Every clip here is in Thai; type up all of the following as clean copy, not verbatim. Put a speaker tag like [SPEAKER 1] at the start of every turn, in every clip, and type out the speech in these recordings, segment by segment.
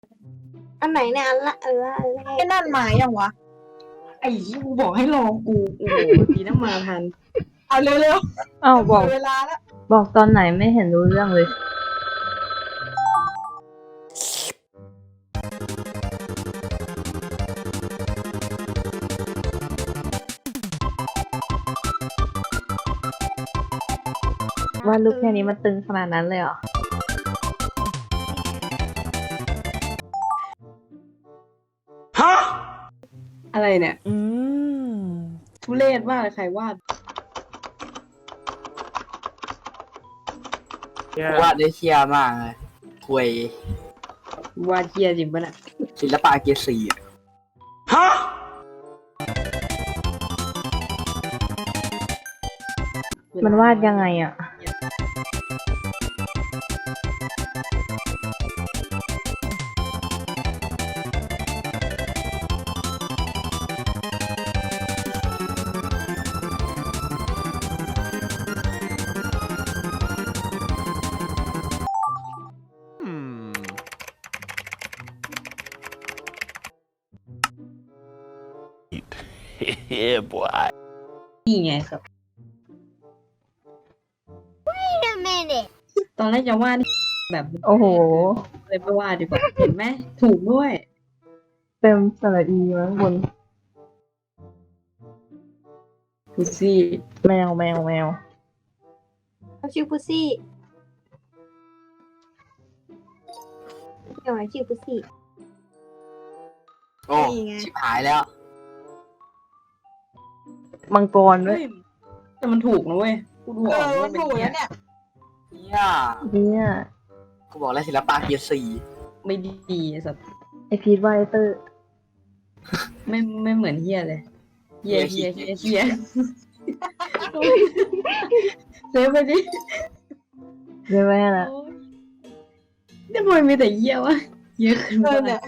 [SPEAKER 1] อันไหนเนี่ยอันละอันละอันแร
[SPEAKER 2] ไอ้
[SPEAKER 1] ก
[SPEAKER 2] นั่นหมายยังวะ
[SPEAKER 3] ไอ้ที่กูบอกให้รอกูโอ้โหดีนะมาทัน
[SPEAKER 2] เอาเร็ว
[SPEAKER 4] อ้าว
[SPEAKER 2] ๆ
[SPEAKER 4] บอก
[SPEAKER 2] เวลาแล้ว
[SPEAKER 4] บอกตอนไหนไม่เห็นรู้เรื่องเลย ว่าลูกแค่นี้มันตึงขนาดนั้นเลยเหรอ
[SPEAKER 3] อะไรเนี่ยทุเรศมากเลยใครวาด
[SPEAKER 5] วาดได้เชียมากเลยควยว
[SPEAKER 3] าดเกียจริงปะน่ะ
[SPEAKER 5] ศิลปะเกียร์สี่อะ
[SPEAKER 4] มันวาดยังไงอ่ะ
[SPEAKER 6] Yeah, boy.
[SPEAKER 3] นี่ไงครับ ตอนแรกจะวาดแบบ
[SPEAKER 4] โอ้โห
[SPEAKER 3] เลยไม่วาดดีกว่า เห็นไหมถูกด้วย
[SPEAKER 4] เต็มสระอีมั้งบน
[SPEAKER 3] ดูสิ
[SPEAKER 4] แมวแมวแมว
[SPEAKER 1] เขาชื่อพุซี่เดี๋ยวไหนชื่อพุซี่
[SPEAKER 5] โอ้
[SPEAKER 2] นี่ไง
[SPEAKER 5] ชิบหายแล้ว
[SPEAKER 4] มังกรด้ว
[SPEAKER 3] เฮ้
[SPEAKER 4] ย
[SPEAKER 3] ยแต่มันถูกนะเว้ยกูดูออก
[SPEAKER 2] มั
[SPEAKER 3] ว่าน เป็น
[SPEAKER 2] ถูก
[SPEAKER 3] เกีย
[SPEAKER 2] แล้ว
[SPEAKER 3] ร์
[SPEAKER 2] เนี่ย
[SPEAKER 5] เนี่ย
[SPEAKER 4] เนี่ย
[SPEAKER 5] กูบอกแล้วศิลปะเกียร์สี่
[SPEAKER 3] ไม่ดีไอ้สัตว์
[SPEAKER 4] ไอพีทวาดไอเตอร์
[SPEAKER 3] ไม่เหมือนเฮียเลยเฮียเซฟไปดิ
[SPEAKER 4] เรียกว่าไงนะ
[SPEAKER 3] โอ๊ยเนี่ยทำไมมีแต่เฮียวะเยอะขึ้น
[SPEAKER 2] เอ
[SPEAKER 3] บ้า
[SPEAKER 2] อน เนี่ย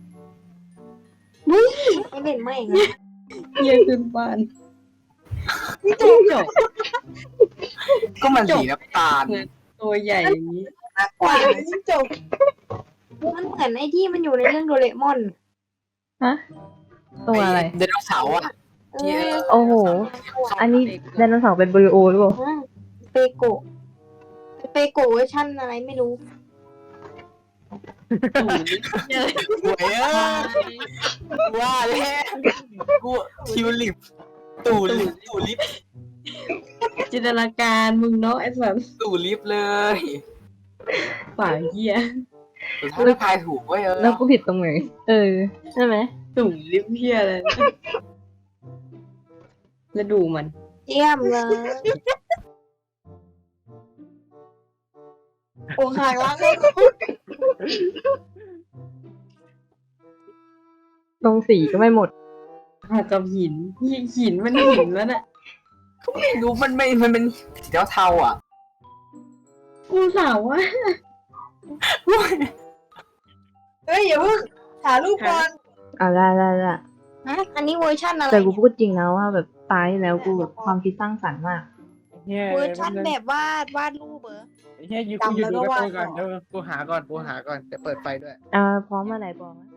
[SPEAKER 1] ไม่เล่นไม่นะ
[SPEAKER 3] เฮียขึ้นบ้านจบ
[SPEAKER 5] ก็มันสีน้ำตาล
[SPEAKER 3] ตัวใหญ่อย่างนี้
[SPEAKER 5] น่าก
[SPEAKER 2] ก
[SPEAKER 5] ว่า
[SPEAKER 2] ว่ายิ่งจบ
[SPEAKER 1] มันเหมือนไอ้ที่มันอยู่ในเรื่องโดเรมอน
[SPEAKER 4] ฮะ ตัวอะไร
[SPEAKER 5] ไดโนเสาร์อ่ะ
[SPEAKER 1] เอ
[SPEAKER 5] ที่
[SPEAKER 1] อ
[SPEAKER 4] โอ้โห อันนี้ไดโนเสาร์เป็นบริโอหรือเปล่า
[SPEAKER 1] เปโกะเปโกะเวอร์ชันอะไรไม่รู้
[SPEAKER 5] หวยเอ้ยว่าแล้วกูทิวลิปตู่ลิป
[SPEAKER 3] จินตนาการมึงเนาะไอ้สัส
[SPEAKER 5] ตู่ลิปเลย
[SPEAKER 3] ป่าเฮีย
[SPEAKER 5] สุดท้ายทายถูกเว้ย
[SPEAKER 4] แล้วกูผิดตรงไหน เออ ใช่ไหม
[SPEAKER 3] ตุ่มลิฟเฮียเลยแล้วดูมัน
[SPEAKER 1] เยี่ยมเลย
[SPEAKER 2] โอ้หางล้างเลย
[SPEAKER 4] ตรงสีก็ไม่หมด
[SPEAKER 3] หากับหินมันหินแล้วน่ะ
[SPEAKER 5] ไม่รู้มันเป็นสีเทาๆอ่ะ
[SPEAKER 3] กูสาวว่า
[SPEAKER 2] เฮ้ยอย่าเพิ่งหารูปก่อน
[SPEAKER 4] อ่ะได้ได้ได้
[SPEAKER 1] อันนี้เวอร์ชันอะไร
[SPEAKER 4] แต่กู
[SPEAKER 1] เนี่ย
[SPEAKER 4] พูดจริงนะว่าแบบตายแล้วกูแบบความคิดสร้างสรรค์มาก
[SPEAKER 1] เวอร์ชันแบบวาดรูปเหรอ
[SPEAKER 7] เฮียอยู่กูอยู่ดูการ์ตูนก่อนเดี๋ยวกูหาก่อนเดี๋ยวเปิดไฟด้วย
[SPEAKER 4] พร้อมเมื่อไหร่บอกนะ